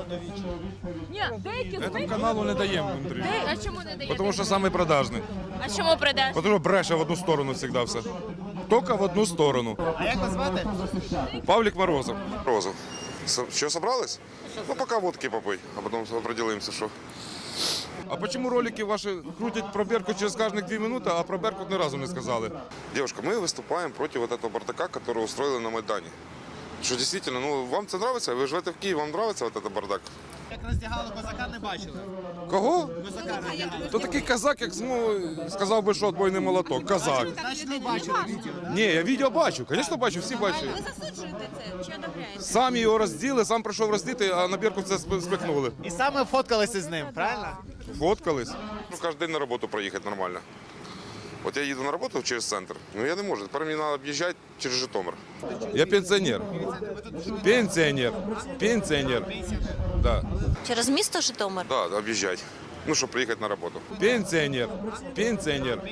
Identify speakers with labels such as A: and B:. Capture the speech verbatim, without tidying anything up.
A: Ні, деякі з
B: Этому
A: них...
B: каналу не даємо інтерв'ю.
A: Де- А чому не даєте?
B: Тому що самий продажний.
A: А чому продаж?
B: Тому що бреше в одну сторону завжди все. Тільки в одну сторону.
C: А як вас звати?
B: Павлік Морозов.
D: Розов. С- Что, собрались? Ну, пока водки попой, а потом определимся, что.
B: А почему ролики ваші крутять про Беркут через кожних дві минути, а про Беркут ні разу не сказали?
D: Девушка, мы выступаем против вот этого бардака, который устроили на Майдане. Что действительно, ну, вам это нравится? Вы живете в Киеве, вам нравится вот этот бардак?
C: Як роздягали козака, не бачили.
B: Кого?
C: Козака роздягали.
B: То такий казак, як змов... сказав би, що отбойний молоток. Казак.
C: Значить, ви бачили відео, так?
B: Ні, я відео бачу, звісно бачу, всі бачать.
A: Ви засуджуєте це чи одобряєте?
B: Сам його розділи, сам прийшов роздіти, а на Беркут це сп- спихнули.
C: І саме фоткалися з ним, правильно?
B: Фоткались.
D: Ну, каждый день на работу проехать нормально. Вот я еду на работу через центр, но я не могу. Теперь мне надо объезжать через Житомир.
B: Я пенсіонер. Пенсіонер. Пенсіонер. Да.
E: Через місто Житомир?
D: Да, объезжать. Ну, чтобы приехать на работу.
B: Пенсіонер. Пенсіонер.